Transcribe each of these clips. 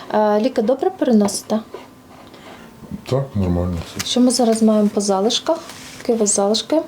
Ліки добре переносите? Так, нормально. Що ми зараз маємо по залишках? Які у вас залишки?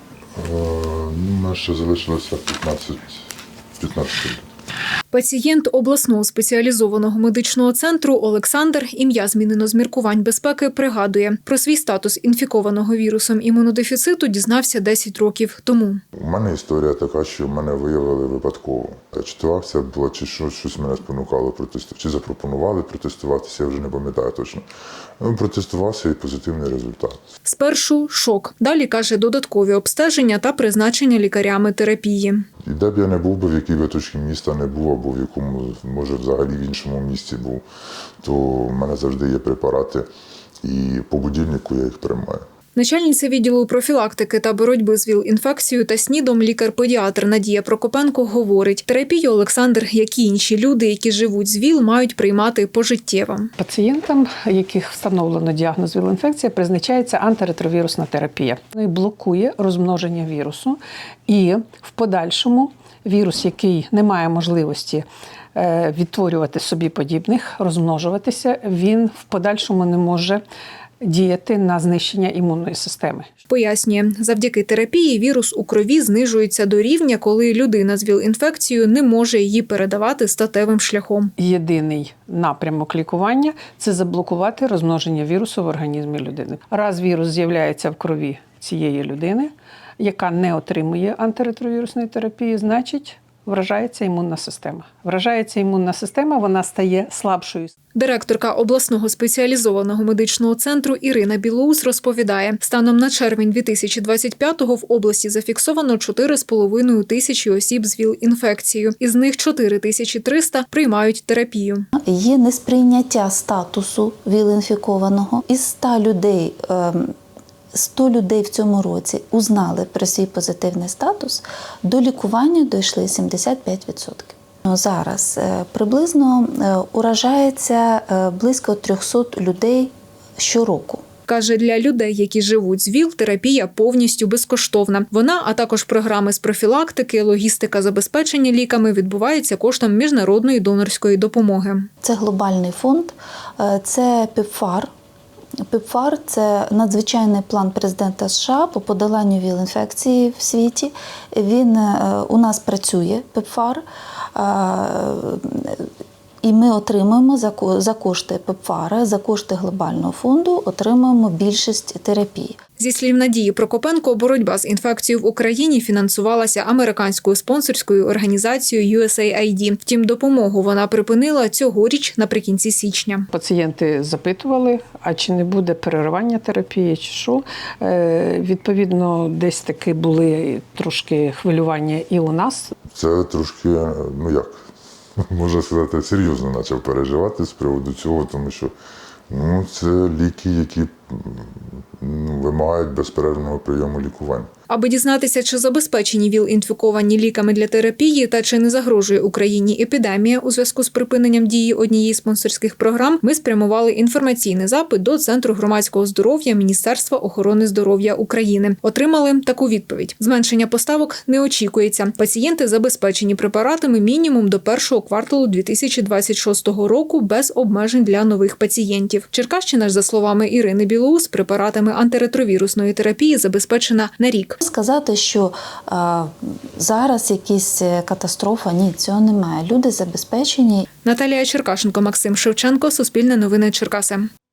У мене ще залишилося 15 літ. Пацієнт обласного спеціалізованого медичного центру Олександр, ім'я змінено з міркувань безпеки, пригадує. Про свій статус інфікованого вірусом імунодефіциту дізнався 10 років тому. У мене історія така, що мене виявили випадково. Я чи то акція була, чи щось мене спонукало протестувати, чи запропонували протестуватися, я вже не пам'ятаю точно. Протестувався і позитивний результат. Спершу шок. Далі, каже, додаткові обстеження та призначення лікарями терапії. І де б я не був би, в якій би точці міста не був, або в якому, може, взагалі в іншому місті був, то в мене завжди є препарати, і по будильнику я їх приймаю. Начальниця відділу профілактики та боротьби з ВІЛ-інфекцією та СНІДом лікар-педіатр Надія Прокопенко говорить, терапію Олександр, як і інші люди, які живуть з ВІЛ, мають приймати пожиттєво. Пацієнтам, яких встановлено діагноз ВІЛ-інфекція, призначається антиретровірусна терапія. Вона блокує розмноження вірусу і в подальшому вірус, який не має можливості відтворювати собі подібних, розмножуватися, він в подальшому не може діяти на знищення імунної системи. Пояснює, завдяки терапії вірус у крові знижується до рівня, коли людина з ВІЛ-інфекцією не може її передавати статевим шляхом. Єдиний напрямок лікування – це заблокувати розмноження вірусу в організмі людини. Раз вірус з'являється в крові цієї людини, яка не отримує антиретровірусної терапії, значить вражається імунна система. Вражається імунна система, вона стає слабшою. Директорка обласного спеціалізованого медичного центру Ірина Білоус розповідає, станом на червень 2025-го в області зафіксовано 4,5 тисячі осіб з ВІЛ-інфекцією. Із них 4300 приймають терапію. Є несприйняття статусу ВІЛ-інфікованого. Із 100 людей в цьому році узнали про свій позитивний статус, до лікування дійшли 75%. Зараз приблизно уражається близько 300 людей щороку. Каже, для людей, які живуть з ВІЛ, терапія повністю безкоштовна. Вона, а також програми з профілактики, логістика забезпечення ліками відбувається коштом міжнародної донорської допомоги. Це глобальний фонд, це ПЕПФАР. ПЕПФАР – це надзвичайний план президента США по подоланню ВІЛ-інфекції в світі. Він у нас працює, ПЕПФАР, і ми отримуємо за кошти ПЕПФАРа, за кошти глобального фонду, отримуємо більшість терапій. Зі слів Надії Прокопенко, боротьба з інфекцією в Україні фінансувалася американською спонсорською організацією USAID. Втім, допомогу вона припинила цьогоріч наприкінці січня. Пацієнти запитували, а чи не буде переривання терапії, чи що. Відповідно, десь таки були трошки хвилювання і у нас. Це трошки, можна сказати, серйозно почав переживати з приводу цього, тому що це ліки, які вимагають безперервного прийому лікування. Аби дізнатися, чи забезпечені ВІЛ-інфіковані ліками для терапії та чи не загрожує Україні епідемія у зв'язку з припиненням дії однієї з спонсорських програм, ми спрямували інформаційний запит до Центру громадського здоров'я Міністерства охорони здоров'я України. Отримали таку відповідь. Зменшення поставок не очікується. Пацієнти забезпечені препаратами мінімум до першого кварталу 2026 року без обмежень для нових пацієнтів. Черкащина ж, за словами Ірини Білоус, препаратами антиретровірусної терапії забезпечена на рік. Сказати, що зараз якась катастрофа, ні, цього немає. Люди забезпечені. Наталія Черкашенко, Максим Шевченко, Суспільне новини Черкаси.